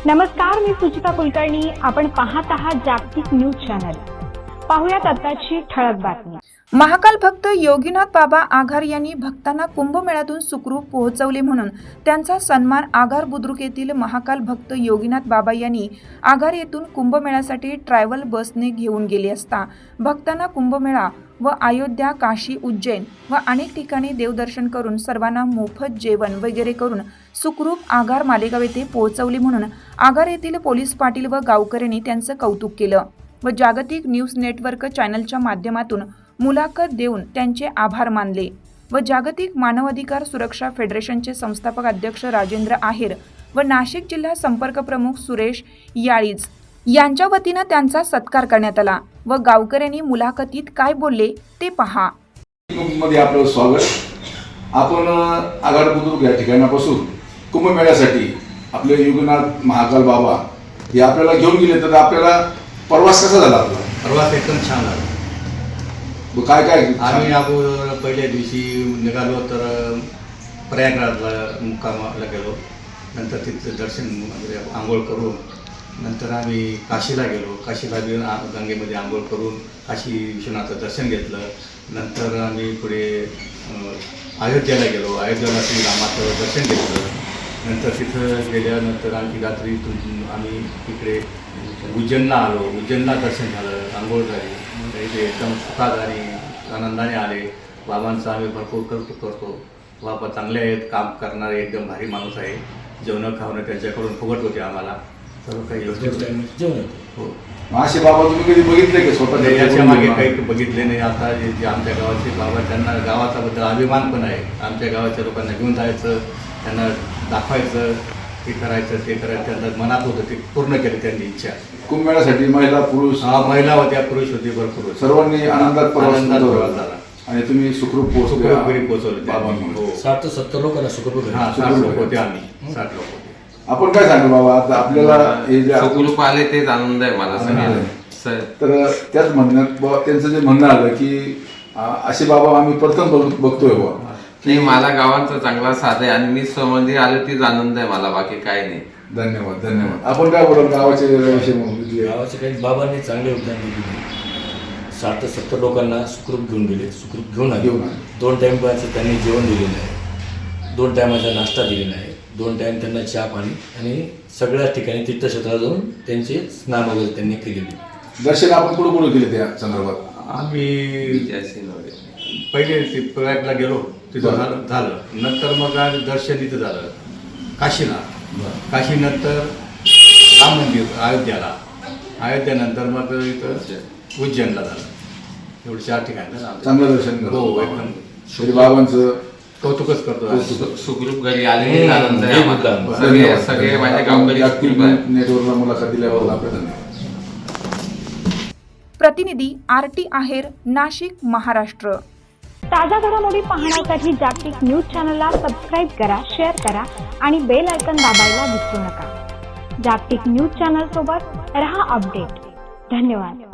नमस्कार, मी सुचिता कुलकर्णी. आपण पाहत आहात जागतिक न्यूज चॅनल. पाहुयात आताची ठळक बातमी. महाकाल भक्त योगीनाथ बाबा आघार यांनी भक्तांना कुंभमेळ्यातून सुखरूप पोहोचवले म्हणून त्यांचा सन्मान आघार बुद्रुक येथील महाकाल भक्त योगीनाथ बाबा यांनी आघार येथून कुंभमेळ्यासाठी ट्रॅव्हल बसने घेऊन गेले असता भक्तांना कुंभमेळा व अयोध्या, काशी, उज्जैन व अनेक ठिकाणी देवदर्शन करून सर्वांना मोफत जेवण वगैरे करून सुखरूप आघार मालेगाव येथे पोहोचवले म्हणून आघार येथील पोलीस पाटील व गावकऱ्यांनी त्यांचं कौतुक केलं व जागतिक न्यूज नेटवर्क चॅनलच्या माध्यमातून मुलाखत देऊन त्यांचे आभार मानले व जागतिक मानवाधिकार सुरक्षा फेडरेशनचे संस्थापक अध्यक्ष राजेंद्र आहेर व नाशिक जिल्हा संपर्क प्रमुख सुरेश याळीज यांच्या वतीनं त्यांचा सत्कार करण्यात आला व गावकऱ्यांनी मुलाखतीत काय बोलले ते पहा. मध्ये आपलं स्वागत. आपण आघार बुद्रुक या ठिकाणापासून कुंभमेळ्यासाठी आपले योगीनाथ महाकाल बाबा हे आपल्याला घेऊन गेले, तर आपल्याला प्रवास कसा झाला? आपला प्रवास एकदम छान झाला. काय काय आम्ही अगोदर पहिल्या दिवशी निघालो तर प्रयागराजला मुक्कामाला गेलो. नंतर तिथं दर्शन वगैरे आंघोळ करून नंतर आम्ही काशीला गेलो. काशीला गंगेमध्ये आंघोळ करून काशी विश्वनाथचं दर्शन घेतलं. नंतर आम्ही पुढे अयोध्येला गेलो. अयोध्येला श्रीरामाचं दर्शन घेतलं. नंतर तिथं गेल्यानंतर आणखी रात्री आम्ही इकडे उज्जैनला आलो. उज्जैनला दर्शन झालं, आंघोळ झाली. इथे एकदम सुखात आणि आनंदाने आले. बाबांचं आम्ही भरपूर करतो. बाबा चांगले आहेत, काम करणारे एकदम भारी माणूस आहे. जेवणं खावणं त्यांच्याकडून फुकट होते. आम्हाला सर्व काही व्यवस्थित जेवण हो. असे बाबा तुम्ही कधी बघितले की स्वतः? याच्या मागे काही बघितले नाही. आता जे आमच्या गावाचे बाबा, त्यांना गावाच्याबद्दल अभिमान पण आहे. आमच्या गावाच्या लोकांना घेऊन जायचं, त्यांना दाखवायचं, हे करायचं, ते करायचं. त्यांचं मनात होतं, ते पूर्ण केलं त्यांनी इच्छा. कुंभमेळ्यासाठी महिला पुरुष महिला होत्या, पुरुष होते, भरपूर सर्वांनी आनंदात प्रवास झाला आणि तुम्ही सुखरूप पोहोचवले. बाबांमुळे 60 ते 70 लोकांना सुखरूप 60 लोक होते. आम्ही 60 लोक होते. आपण काय सांगू बाबा, आता आपल्याला हे जे सुखरूप आले तेच आनंद आहे मला सगळ्यांना. तर त्याच म्हणण्यात त्यांचं जे म्हणणं आलं की असे बाबा आम्ही प्रथम बघतोय बाबा. नाही, मला गावांचा चांगला साथ आहे आणि मी स्वमंदिर आलो तीच आनंद आहे मला, बाकी काय नाही. धन्यवाद धन्यवाद. आपण काय बोलाल गावाचे विषय? गावाचे काही बाबांनी चांगले योगदान दिले. 60 ते 70 लोकांना सुखरूप घेऊन गेले, सुखरूप घेऊन आले. 2 टाईमचं त्यांनी जेवण दिलेलं आहे, 2 टायमाचा नाश्ता दिलेला आहे, 2 टाईम त्यांना चहा पाणी आणि सगळ्याच ठिकाणी तीर्थक्षेत्रात जाऊन त्यांचे स्नान वगैरे त्यांनी केलेले. दर्शन आपण कुठं केले त्या संदर्भात? आम्ही पहिले ते प्रयागला गेलो, तिथं झालं. नंतर मग दर्शन इथं झालं काशीला. काशीनंतर राम मंदिर अयोध्याला. अयोध्यानंतर मग इथं उज्जैनला झालं. एवढे 4 ठिकाणी चांगलं दर्शन हो, एकदम श्री बाबांचं कौतुकच करतो. सुखरूप घरी आले आनंद आहे आम्हाला. सगळे माझ्या गावकरी नेटवर्कला मुलाखत दिल्याबद्दल आपले धन्यवाद. प्रतिनिधी आरटी आहेर, नाशिक, महाराष्ट्र. ताज्या घडामोडी पाहण्यासाठी जागतिक न्यूज चॅनलला सबस्क्राईब करा, शेअर करा आणि बेल आयकॉन दाबायला विसरू नका. जागतिक न्यूज चॅनल सोबत रहा अपडेट. धन्यवाद.